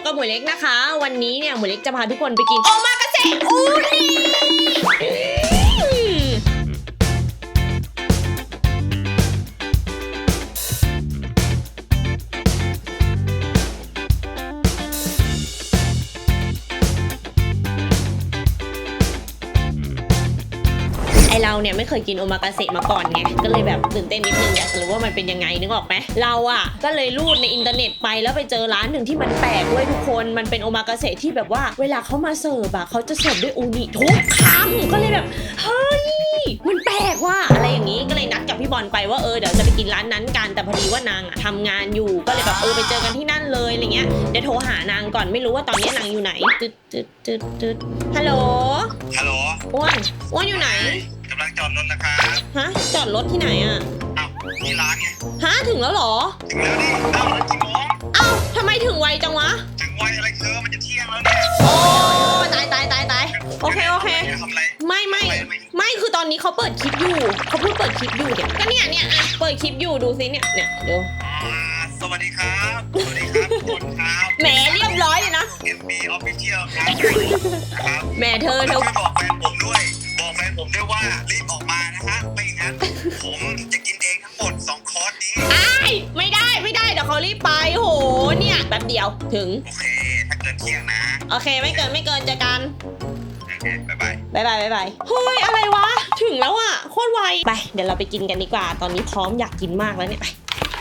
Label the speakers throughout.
Speaker 1: กับหมวยเล็กนะคะ วันนี้เนี่ยหมวยเล็กจะพาทุกคนไปกินโอมากาเสะอูนิเราเนี่ยไม่เคยกินโอมากาเสะมาก่อนไงก็เลยแบบตื่นเต้นนิดนึงอยากรู้ว่ามันเป็นยังไงนึกออกไหมเราอ่ะก็เลยรูดในอินเทอร์เน็ตไปแล้วไปเจอร้านหนึ่งที่มันแปลกด้วยทุกคนมันเป็นโอมากาเสะที่แบบว่าเวลาเขามาเสิร์ฟอ่ะเขาจะเสิร์ฟด้วยอูนิทุกคำก็เลยแบบเฮ้ยมันแปลกว่ะอะไรอย่างนี้ก็เลยนัดกับพี่บอลไปว่าเดี๋ยวจะไปกินร้านนั้นกันแต่พอดีว่านางทำงานอยู่ก็เลยแบบไปเจอกันที่นั่นเลยอะไรเงี้ยเดี๋ยวโทรหานางก่อนไม่รู้ว่าตอนนี้นางอยู่ไหนตึ๊ดฮัลโหลอ้วนอยู่ไหน
Speaker 2: กำลังจอดรถนะครับ
Speaker 1: ฮะจอดรถที่ไหนอ่ะ
Speaker 2: อ้าวที่ร้านไง
Speaker 1: ฮะถึงแล้วเหรอ
Speaker 2: ถึงแล้วนี่อ้าวกี่โมง
Speaker 1: อ้าวทำไมถึงไวจังวะ
Speaker 2: ถึงไวอะไรมันจะเที่ยงแล้วเนี่ย
Speaker 1: โอ้ตายโอเค
Speaker 2: ทำอะไร
Speaker 1: ไม่คือตอนนี้เขาเปิดคลิปอยู่เขาพูดเปิดคลิปอยู่เนี่ยก็เนี่ยอ่ะเปิดคลิปอยู่ดูซิเนี่ยเดี๋ยว
Speaker 2: สวัสดีครับคุณครับ
Speaker 1: แหมเรียบร้อยเลยนะ
Speaker 2: MB Official ครับ
Speaker 1: แหมเธอ
Speaker 2: บอกแฟนผมด้วยว่ารีบออกมานะฮะไม่งั้นผมจะกินเองทั้งหมด2คอร์สนี้
Speaker 1: ไม่ได้เดี๋ยวเขารีบไปโหเนี่ยแป๊บเดียวถึง
Speaker 2: โอเคถ้าเกินเที่ยงนะ
Speaker 1: โอเคไม่เกินเจอกัน
Speaker 2: โอเคบ๊ายบาย
Speaker 1: เฮ้ยอะไรวะถึงแล้วอ่ะโคตรไวไปเดี๋ยวเราไปกินกันดีกว่าตอนนี้พร้อมอยากกินมากแล้วเนี่ยไป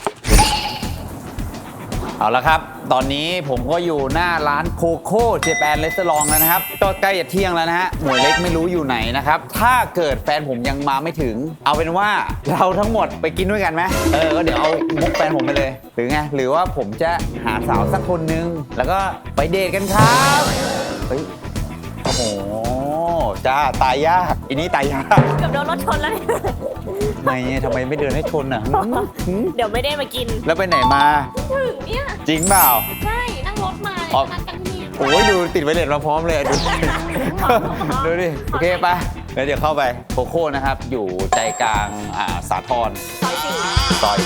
Speaker 3: เอาละครับตอนนี้ผมก็อยู่หน้าร้านโคโค่เจแปนเรสเตอรองแล้วนะครับก็ใกล้จะเที่ยงแล้วนะฮะหมวยเล็กไม่รู้อยู่ไหนนะครับถ้าเกิดแฟนผมยังมาไม่ถึงเอาเป็นว่าเราทั้งหมดไปกินด้วยกันไหมก็เดี๋ยวเอามุกแฟนผมไปเลยหรือไงหรือว่าผมจะหาสาวสักคนนึงแล้วก็ไปเดทกันครับเฮ้ยโอ้โหจ้าตายยากอันนี้ตายยาก
Speaker 1: เกือบโดนรถชนแล้วเนี่ย
Speaker 3: ทำไมไม่เดินให้ชนอ่ะ
Speaker 1: เดี๋ยวไม่ได้มากิน
Speaker 3: แล้วไปไหนมา
Speaker 1: ถึงเนี่ย
Speaker 3: จริงเปล่า
Speaker 1: ใช่นั่งรถมานัดกันที่
Speaker 3: โอ้ยดูติดไวเลสมาพร้อมเลยดูดิโอเคไปแล้วเดี๋ยวเข้าไปโคโค่นะครับอยู่ใจกลางสาทรซอย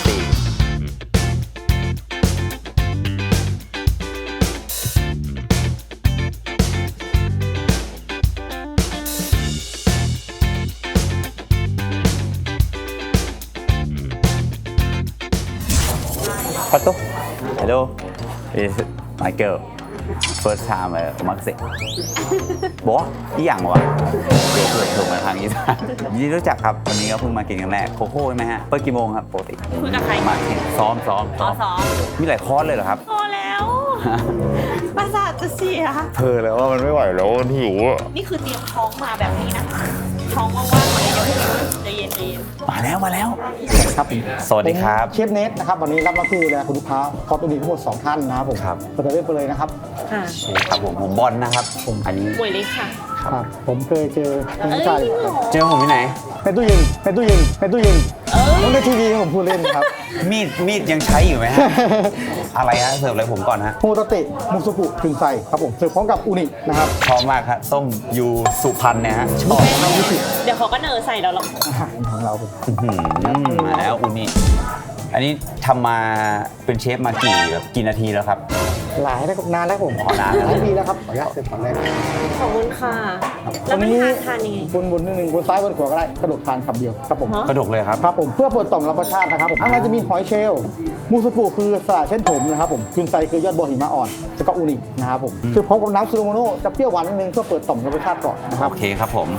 Speaker 3: 4Pato, hello, is my girl. First time omakase. บอกที่อย่างวะเดี๋ยวเกิดถูกมาทางอีสานยินดีรู้จักครับวันนี้ก็เพิ่งมากินกันแรกโคโค่ใช่ไหมฮะเปิดกี่โมงครับปกติ
Speaker 1: คุยกับใคร
Speaker 3: มาซ้อมมีหลายคอร์สเลยเหรอครับ
Speaker 1: พอแล้วประสาทจะเสีย
Speaker 3: เธอแล้วว่ามันไม่ไหวแล้วมันหิว
Speaker 1: นี่คือเตรียมท้องมาแบบนี้นะท้องว่างๆเลยเดี๋ยวใจเย็น
Speaker 3: มาแล้ว
Speaker 4: ครับ
Speaker 3: สวัสดีครับ
Speaker 4: เชฟเนทนะครับวันนี้รับหน้าที่ดูแลคุณลูกค้าคอร์สตัวนี้ทั้งหมด2ท่านนะครับผม
Speaker 3: ครับ
Speaker 4: เปิดเรื่องไปเลยนะครับ
Speaker 1: ค่ะ
Speaker 3: ครับผมบอลนะครับอันนี้
Speaker 1: หมวยเล็กค่ะ
Speaker 4: ครับผมเคยเจอผู้ชาย
Speaker 3: เจอผมที่ไหน
Speaker 4: เป็นตู้เย็นในทีวีผมพูดเล่นครับ
Speaker 3: มีดยังใช้อยู่ไหมฮะอะไรฮะเสิร์ฟอะไรผมก่อนฮะ
Speaker 4: โฮตาเตะมุสุกุกึ่งใส่ครับผมเสิร์ฟพร้อมกับอูนินะครับ
Speaker 3: ชอบมากครับส้มยูสุพรรณเนี่ยฮะชอบ
Speaker 1: เดี๋ยวเขาก็เนอใส่เราหรอก
Speaker 4: ของเรา
Speaker 3: มาแล้วอูนิอันนี้ทำมาเป็นเชฟมากี่นาทีแล้วครับ
Speaker 4: หลายนานแล้วผม
Speaker 3: นาน
Speaker 4: หลายปีแล้วครับขออนุญาตเสิร์ฟก่อนเลย
Speaker 1: ขอบคุณค่ะแล้วมันทานยังไง
Speaker 4: บนนึงบนซ้ายบนขวาก็ได้กระดกทานคำเดียวครับผม
Speaker 3: กระดกเลยครับ
Speaker 4: ครับผมเพื่อเปิดต่อมรับรสชาตินะครับผมข้างในจะมีหอยเชลล์มูสกุคือสาเช่นผมนะครับผมกึ่งไซคือยอดบัวหิมะอ่อนแล้วก็อูนินะครับผมคือพร้อมกับน้ำซูโรโมโนะจะเปรี้ยวหวานนิดนึงเพื่อเปิดต่อมรับรสชาติก่อนนะครับ
Speaker 3: โอเคครับผม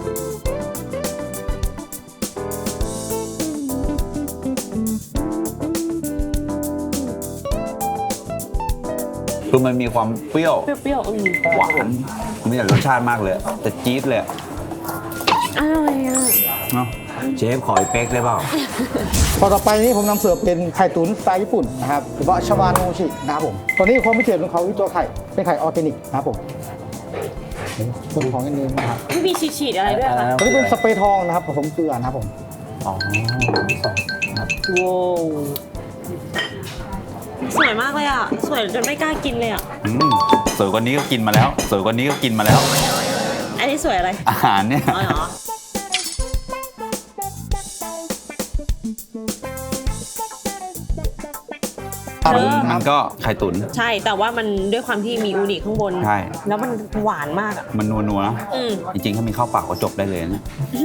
Speaker 3: คือมันมีความเปรี้ยวหวานมีแต่รสชาติมากเลยแต่จี๊ดเลย
Speaker 1: อร่อยอ่ะ
Speaker 3: เนาะเชฟขออีกเป๊กได้เปล่า
Speaker 4: ต่อไปนี้ผมนำเสิร์ฟเป็นไข่ตุ๋นสไตล์ญี่ปุ่นนะครับหรือว่าชาวาโนชินะครับผมตอนนี้ความพิเศษของเขาคือตัวไข่เป็นไข่ออร์แกนิกนะครับผมส่วนของอันนี้นะครับ
Speaker 1: มีฉีดอะไรด้วยคะ
Speaker 4: ตัวนี้เป็นสเปรย์ทองนะครับผสมเกลือนะครับผม
Speaker 3: อ๋อ
Speaker 1: ว้าวสวยมากเลยอ่ะสวยจนไม่กล้ากินเลยอ่ะ
Speaker 3: สวยกว่านี้ก็กินมาแล้ว
Speaker 1: อันนี้สวยอะไร
Speaker 3: อาหารเนี่ย
Speaker 1: อ๋อเหรอ
Speaker 4: ตัน
Speaker 3: มั
Speaker 4: นะ
Speaker 3: นก็ไข่ตุ๋น
Speaker 1: ใช่แต่ว่ามันด้วยความที่มีอูนิข้างบน
Speaker 3: ใช่
Speaker 1: แล้วมันหวานมากอ่ะ
Speaker 3: มันนัวๆนะ
Speaker 1: อืม
Speaker 3: จริงๆถ้ามีข้าวเปล่าก็จบได้เลยนะ
Speaker 1: นี่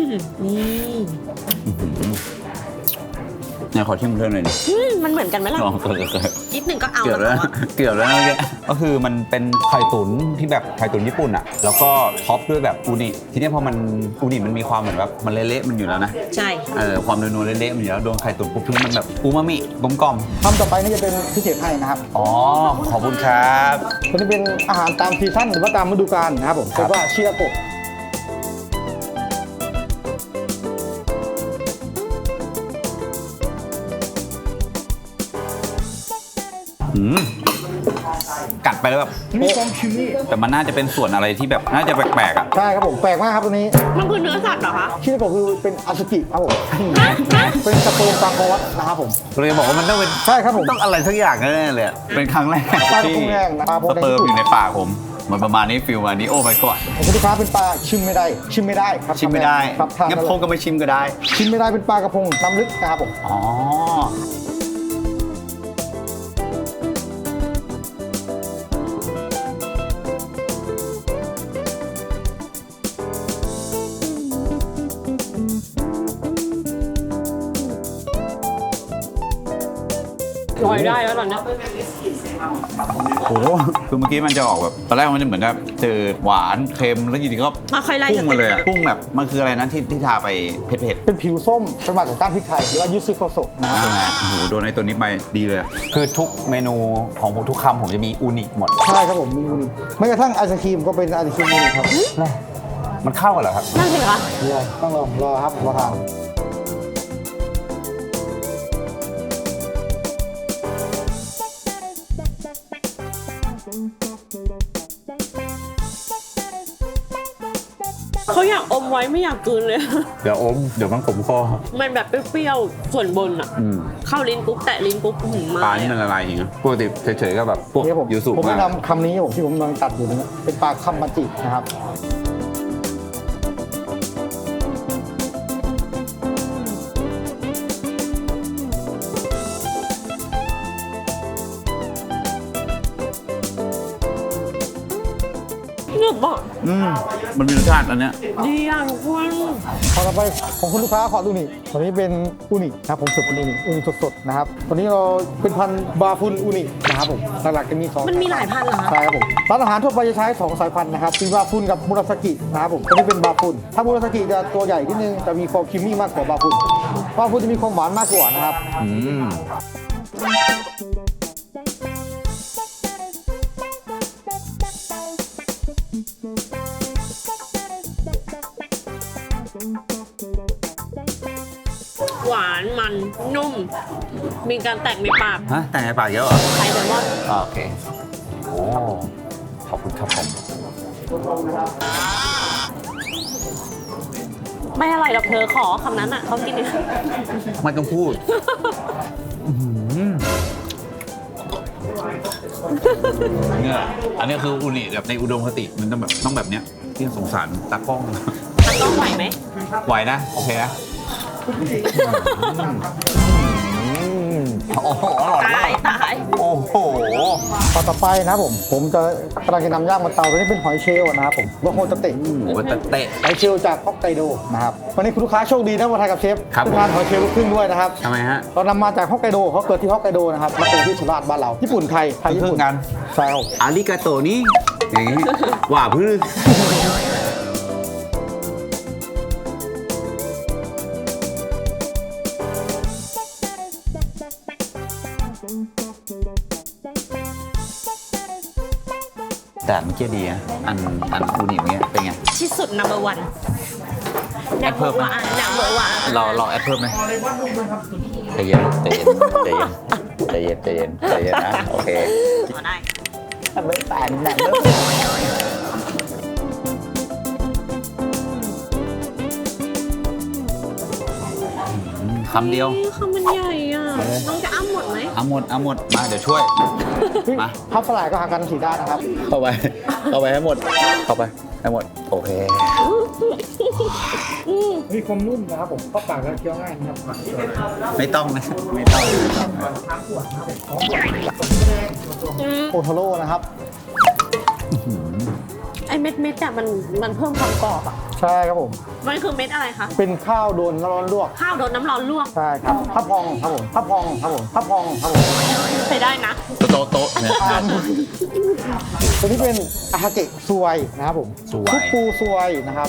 Speaker 3: เนี่ยขอชิมเพิ่มหน่อยดิ
Speaker 1: มันเหมือนกันไหมล่ะ
Speaker 3: ลองเกิด
Speaker 1: นิดหนึ่งก็เอา
Speaker 3: เกือบ
Speaker 1: แล้ว
Speaker 3: แล้ว
Speaker 1: อะ
Speaker 3: เกือบแล้วนะเมื่อกี้ก็คือมันเป็นไข่ตุ๋นที่แบบไข่ตุ๋นญี่ปุ่นอ่ะแล้วก็ท็อปด้วยแบบอูนิทีนี้พอมันอูนิมันมีความเหมือนแบบมันเละๆมันอยู่แล้วนะ
Speaker 1: ใช่
Speaker 3: ความนัวๆเละๆมันอยู่แล้วโดนไข่ตุ๋นปุ๊บทีมันแบบอูมามิกลมกล่อม
Speaker 4: คำต่อไปนี่จะเป็นพิเศษให้นะครับ
Speaker 3: อ๋อขอบคุณครับ
Speaker 4: ตัวนี้เป็นอาหารตามซีซั่นหรือว่าตามฤดูกาลนะครับผม
Speaker 3: ครั
Speaker 4: เรี
Speaker 3: บ
Speaker 4: ยกว่าชิราโกะ
Speaker 3: กัดไปแล้วแบบ
Speaker 4: มีความชิมนี่
Speaker 3: แต่มันน่าจะเป็นส่วนอะไรที่แบบน่าจะแปลกๆอ่ะ
Speaker 4: ใช่ครับผมแปลกมากครับตัวนี้
Speaker 1: มันคือเนื้อสัตว์เหรอคะ
Speaker 4: ชิราโกะคือเป็นอาซุกิครับผม
Speaker 1: ฮะ
Speaker 4: เป็นสเปิร์มปลาคอสนะครับผม
Speaker 3: เลยบอกว่ามันต้องเป็น
Speaker 4: ใช่ครับผม
Speaker 3: ต้องอะไรสักอย่างแน่ๆเลยอะเป็นครั้งแรก
Speaker 4: ปลากระ
Speaker 3: ที่
Speaker 4: พงแห้งนะครับ
Speaker 3: สเปิร์มอยู่ในปากผมเหมือนประมาณนี้ฟิลวันนี้โอ้ my god
Speaker 4: ของคุณลูกค้าเป็นปลาชิมไม่ได้ครับ
Speaker 3: ชิมไม่ได้
Speaker 4: ครับทาน
Speaker 3: งั้น
Speaker 4: ได้
Speaker 3: พงก็ไม่ชิมก็ได้
Speaker 4: ชิมไม่ได้เป็นปลากระพงน้ำลึกนะครับผม
Speaker 3: อ๋อ
Speaker 1: ลอยได้แล้วตอนเนี้ย
Speaker 3: โอ้โหคือเมื่อกี้มันจะออกแบบตอนแรกมันจะเหมือนแบบจืดหวานเค็มแล้วอยู่ดีก็
Speaker 1: มาค่อยไล่
Speaker 3: พุ่งมาเลยอะพุ่งแบบมันคืออะไรนะที่ทาไปเผ็ด
Speaker 4: เป็นผิวส้มเป็นมาจากก้านพริกไทยหรือว่ายูซึโกโซะนะครับผม
Speaker 3: โอ้โหโดนในตัวนี้ไปดีเลยอะคือทุกเมนูของผมทุกคำผมจะมีอูนิหมด
Speaker 4: ใช่ครับผมมีอูนิไม่กระทั่งไอศครีมก็เป็นไอศครีมอูนิครับ
Speaker 3: มันเข้ากันเหรอครับ
Speaker 1: นั่นสิคะ
Speaker 4: ต้องรอครับรอทาน
Speaker 1: เขาอยากอมไว้ไม่อยากกลืนเลย
Speaker 3: เดี๋ยวอมเดี๋ยวมันขมคอ
Speaker 1: มันแบบเปรี้ยวๆส่วนบนอ่ะ เข้าลิ้นปุ๊บแตะลิ้นปุ๊บหืมมา
Speaker 3: ปลานี่มันละลายอย่างเงี้ยปกติเฉยๆก็แบบพวก
Speaker 4: นี่ผม
Speaker 3: ยูสุ
Speaker 4: ผม
Speaker 3: มาก
Speaker 4: แนะนำคำนี้ผมที่ผมกำลังตัดอยู่นะเป็นปลาคัมมาจินะครับ
Speaker 1: เนื้อบอก
Speaker 3: มันมีรสชาติอันเนี้ย
Speaker 1: ดีอ่ะทุกคน
Speaker 4: พอต่อไปของคุณลูกค้าขอดูนี่ตัวนี้เป็นอูนินะครับผมสุดเป็นอูนิสดๆนะครับตัวนี้เราเป็นพันธุ์บาฟุนอูนินะครับผมหลักๆจะมีสอง
Speaker 1: มันมีหลายพันธุ์เหรอคะ
Speaker 4: ใช่ครับผมร้านอาหารทั่วไปจะใช้2สายพันธุ์นะครับเป็นบาฟุนกับมุราสกินะครับผมตัวนี้เป็นบาฟุนถ้ามุราสกิจะตัวใหญ่นิดนึงจะมีความครีมมี่มากกว่าบาฟุนจะมีความหวานมากกว่านะครับ
Speaker 3: อืม
Speaker 1: หวานมันนุ่ม มีการแตกในปาก
Speaker 3: ฮะแต่ในปากเยอะเหรอ
Speaker 1: ไข่แซลมอน
Speaker 3: โอเคโอ้ขอบคุณครับผม
Speaker 1: ไม่อร่อยหรอกเธอขอคำนั้นอ่ะเขากินดิ
Speaker 3: ไม่ต้องพูดเนี่ยอันนี้คืออูนิแบบในอุดมคติมันต้องแบบเนี้ยที่สงสารตากล้อง
Speaker 1: ตากล้องไหวไหม
Speaker 3: ไหวนะโอเคนะโอ้โหอร่อยมาก
Speaker 1: ตาย
Speaker 3: โอ้โห
Speaker 4: พอต่อไปนะครับผมจะกำลังจะนำย่างมาเตาตัวนี้เป็นหอยเชลล์นะครับผมโลโคตะเตะ
Speaker 3: หมูเตะ
Speaker 4: หอยเชลล์จากฮอกไกโดนะครับวันนี้คุณลูกค้าโชคดีนะมาทานกับเชฟ
Speaker 3: ครับ
Speaker 4: ทานหอยเชลล์ลูกครึ่งด้วยนะครับ
Speaker 3: ทำไมฮะ
Speaker 4: เรานำมาจากฮอกไกโดเขาเกิดที่ฮอกไกโดนะครับมาเกิดที่สุราษฎร์บ้านเราญี่ปุ่นไทยญี่
Speaker 3: ครึ่
Speaker 4: ปุ่น
Speaker 3: งกัน
Speaker 4: ใช่ครับ
Speaker 3: อาริกาโตนี่อย่างงี้ว่าพื้น แต่เมื่อกี้ดีนะอันอูนิเนี้ยเป็นไง
Speaker 1: ที่สุด number one
Speaker 3: แอดเพิ่มไหม
Speaker 1: number one
Speaker 3: เราแอดเพิ่มไหมใจเย็นใจเย็นใจเย็นใจเย็นใจเย็นใจเย็นนะโอเค
Speaker 1: ขอได้
Speaker 3: ไม่แปนนะคำเดียว
Speaker 1: คำมันใหญ่อ่ะ น้องจะอ้ำหมดไหม
Speaker 3: เอาหมดมาเดี๋ยวช่วย มา
Speaker 4: พับสลายก็หากันสีด้านนะครับ
Speaker 3: เข้าไปให้หมดเข้าไปได้หมดโอเค
Speaker 4: มีความนุ่มนะครับผมเข้าปากแล้วเคี้ยวง่ายนะครับ
Speaker 3: ไม่ต้องนะไม่ต้อง
Speaker 4: โอโทโร่นะครับ
Speaker 1: ไอเม็ดอะมันเพิ่มความกรอบอะ
Speaker 4: ใช่ครับผม
Speaker 1: มันคือเม็ดอะไรคะ
Speaker 4: เป็นข้าวโดนน้ำร้อนลวก
Speaker 1: ข้าวโดนน้ำร้อนลวก
Speaker 4: ใช่ครับพับพองครับผมพับพองครับผมพับพองครับผม
Speaker 1: ใช้ได้นะ
Speaker 3: โต๊ะเนี่ย
Speaker 4: ตัวนี้เป็นอาฮาเกะซวยนะครับผม
Speaker 3: ซวย
Speaker 4: ซุปปูซวยนะครับ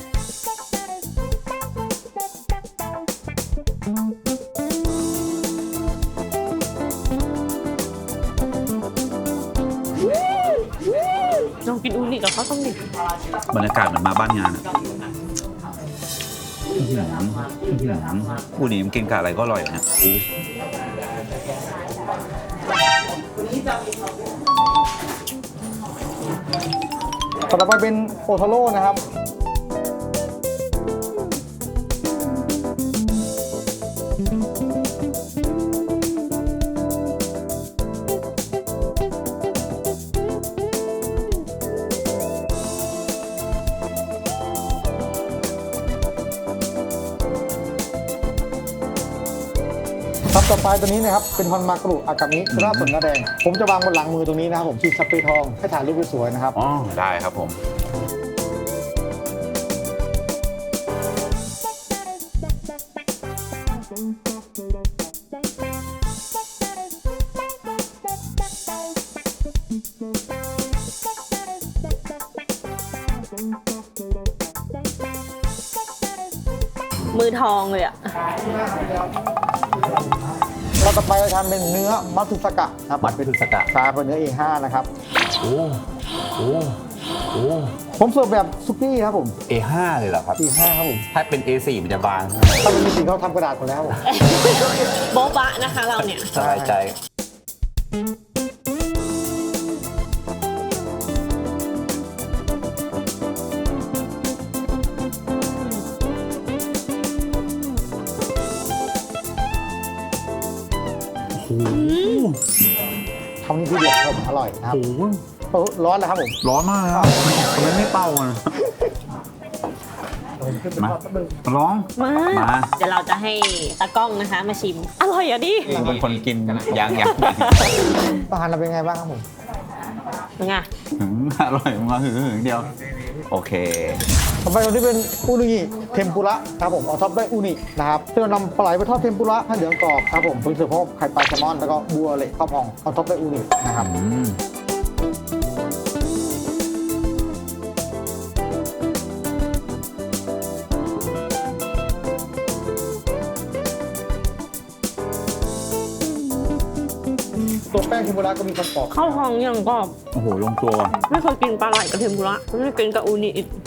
Speaker 1: ลองกินอูนิกับข้าวต้มดิ
Speaker 3: บรรยากาศเหมือนมาบ้านงานผู้นี้มันกินกับอะไรก็อร่อยนะ
Speaker 4: ต่อไปเป็นโอโทโร่นะครับ ครับต่อไปตัวนี้นะครับเป็นฮอนมากรุอากามิราดส่วนหน้าแดง ผมจะวางบนหลังมือตรงนี้นะครับผมฉีดสเปรย์ทองให้ถ่ายรูปสวยๆนะครับ
Speaker 3: อ๋อได้ครับผม
Speaker 1: มือทองเลยอะ
Speaker 4: เราต่อไปเราทำเป็นเนื้อมัตสึสกะนะครับ
Speaker 3: มัดเป็นสกะ
Speaker 4: ชาเป็นเนื้อ A5 นะครับ
Speaker 3: โอ้โอ้โอ้
Speaker 4: ผมเสิร์ฟแบบซุกี้ครับผม
Speaker 3: A5 เลยเหรอครับ
Speaker 4: A5 ครับผม
Speaker 3: ถ้าเป็น A4 มันจะบาง
Speaker 4: ถ้าเป็นจริงๆเขาทำกระดาษหมดแล้วครับผม
Speaker 1: โบ๊ะบะนะคะเราเนี่ย
Speaker 3: สบายใจ
Speaker 4: ทำนี่ที่เด็ดครับผมอร่อยนะครับร้อนแล้วครับผม
Speaker 3: ร้อนมากครับทำไมไม่เป่าอ่ะ มาร้อง
Speaker 1: มา
Speaker 3: มา
Speaker 1: เดี๋ยวเราจะให้ตากล้องนะคะมาชิม อร่อยอ่ะดิ
Speaker 3: กูเป็นคนกินอย่าง
Speaker 4: อาหารเราเป็นไงบ้างครับผม
Speaker 1: เป็นไง
Speaker 3: อร่อยมาหึงเดียว โอเค
Speaker 4: ต่อไปตัวนี้เป็นอูนิเทมปุระครับผมเอาท็อปด้วยอูนินะครับที่เรานำปลาไหลไปทอดเทมปุระให้เหลืองกรอบครับผมเพิ่งเสิร์ฟพร้อมไข่ปลาแซลมอนแล้วก็บัวเละข้าวพองเอาท็อปด้วยอูนินะครับ ตัวแป้งเทมปุระก็มีความกรอบ
Speaker 1: ข้าวหองยังกรอบ
Speaker 3: โอ้โหลงตัว
Speaker 1: ไม่เคยกินปลาไหลกับเทมปุระไม่เคยกินกับอูนิอีก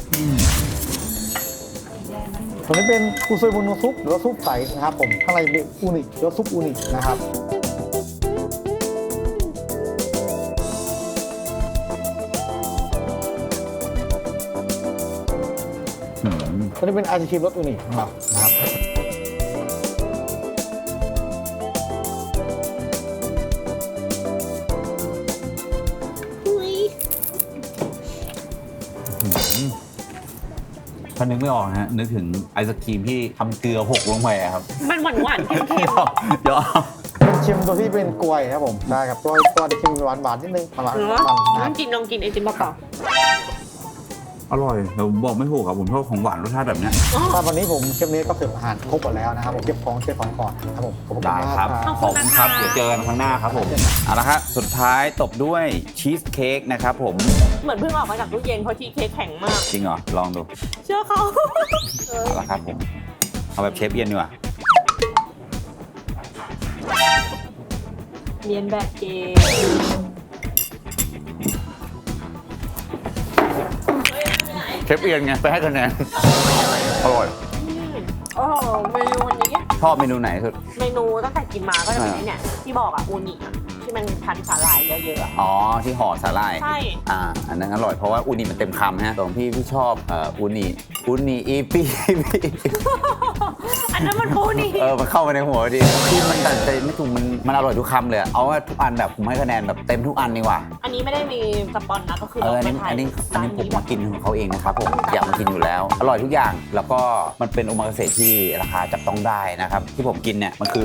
Speaker 4: ตัวนี้เป็นอุซุยบุโนซุปหรือว่าซุปใสนะครับผมข้างในเป็นอูนิหรือว่าซุปอูนินะครับ ตัวนี้เป็นไอศครีมรสอูนิของเรานะครับ
Speaker 3: ถ้านึกไม่ออกนะฮะนึกถึงไอศครีมที่ทำเกลือหกลงไปอะครับ
Speaker 1: มันหวานๆเค็ม
Speaker 3: ยอม
Speaker 4: เป็นเค็มตัวที่เป็นกล้วยครับผมได้ครับตัวจะเค็มหวานนิดนึงประมาณ
Speaker 1: ๆหรือ
Speaker 4: นั้
Speaker 1: ว่าน
Speaker 4: นะค
Speaker 1: ล
Speaker 4: รั
Speaker 1: อบ งกินไอติมเปล่า
Speaker 3: อร่อยแต่ผมบอกไม่ถูกครับผมชอบของหวานรสชาติแบบเนี้ย
Speaker 1: ๆอ๋อ
Speaker 4: ถ้าวันนี้ผมเชฟเนสก็เสิร์ฟอาหารครบหมดแล้วนะครับผมเก็บของก่อนครับผมขอบคุณ
Speaker 3: ได้
Speaker 4: มาก
Speaker 3: ครับ
Speaker 4: ครับ
Speaker 3: ขอบคุณครับ เดี๋ยวเจอกันครั้งหน้าครับผม เอาละครับสุดท้ายตบด้วยชีสเค้กนะครับผม
Speaker 1: เหมือนเพิ่งออกมาจากตู้เย็นเพราะชีสเค้กแข็งมาก
Speaker 3: จริงเหรอ ลองดู
Speaker 1: เชื่อเขา
Speaker 3: เอาละครับผม เอาแบบเชฟเอียนดีกว่า
Speaker 1: เรียนแบบเกม
Speaker 3: เชฟเอียนไง ไปให้คะแนน อร่อย
Speaker 1: โอ้โหเมนูวันนี้
Speaker 3: ชอบเมนูไหนสุด
Speaker 1: เมนูตั้งแต่กินมาก็จะเป็นไอ้เนี่ยที่บอกอะอูนิอะใช่ไหมมันพันสาหร่ายเยอะๆอะ
Speaker 3: อ๋อที่ห่อสาหร่าย
Speaker 1: ใช่
Speaker 3: อันนั้นอร่อยเพราะว่าอูนิมันเต็มคำฮะของพี่ชอบอูนิอีปี
Speaker 1: อันนั้นมันปูนี่
Speaker 3: มันเข้ามาในหัวดีที่มันตัดใจไม่ถูกมันอร่อยทุกคำเลยเอาว่าทุกอันแบบผมให้คะแนนแบบเต็มทุกอันดีกว่า
Speaker 1: อันนี้ไม่ได้มีสปอนนะก็คือ
Speaker 3: อันนี้ผมมากินของเขาเองนะครับผมอยากมากินอยู่แล้ว อร่อยทุกอย่างแล้วก็มันเป็นโอมากาเสะที่ราคาจับต้องได้นะครับที่ผมกินเนี่ยมันคือ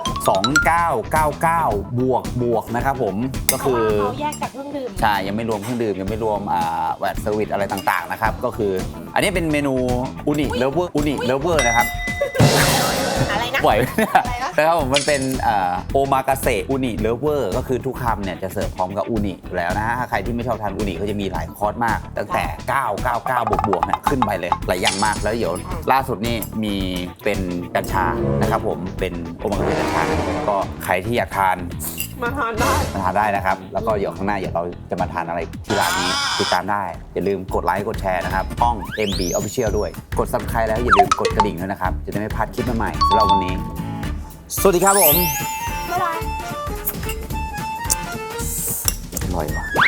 Speaker 3: 2999บวกนะครับผมก็คือ
Speaker 1: เขาแยกจากเครื่องดื่ม
Speaker 3: ใช่ยังไม่รวมเครื่องดื่มยังไม่รวมแวตเซอร์วิสอะไรต่างๆนะครับก็คืออันนี้เป็นเมนูอูนิเลเวอร์นะครับ
Speaker 1: อะไรนะ
Speaker 3: ไหวไหมเนี่ยนะครับผมมันเป็นโอมากาเสะอูนิเลเวอร์ก็คือทุกคำเนี่ยจะเสิร์ฟพร้อมกับอูนิอยู่แล้วนะฮะใครที่ไม่ชอบทานอูนิก็จะมีหลายคอร์สมากตั้งแต่ 999 บวกเนี่ยขึ้นไปเลยหลายอย่างมากแล้วเดี๋ยวล่าสุดนี่มีเป็นกัญชานะครับผมเป็นโอมากาเสะกัญชาก็ใครที่อยากทาน
Speaker 1: มาทานได้
Speaker 3: มาทานได้นะครับแล้วก็เดี๋ยวข้างหน้าเดี๋ยวเราจะมาทานอะไรที่ร้านนี้ติดตามได้อย่าลืมกดไลค์กดแชร์นะครับช่อง MB Official ด้วยกด Subscribe แล้วอย่าลืมกดกระดิ่งด้วยนะครับจะได้ไม่พลาดคลิปใหม่ๆสำหรับวันนี้ สวัสดีครับผม
Speaker 1: บ๊ายบาย
Speaker 3: อร่อยว่ะ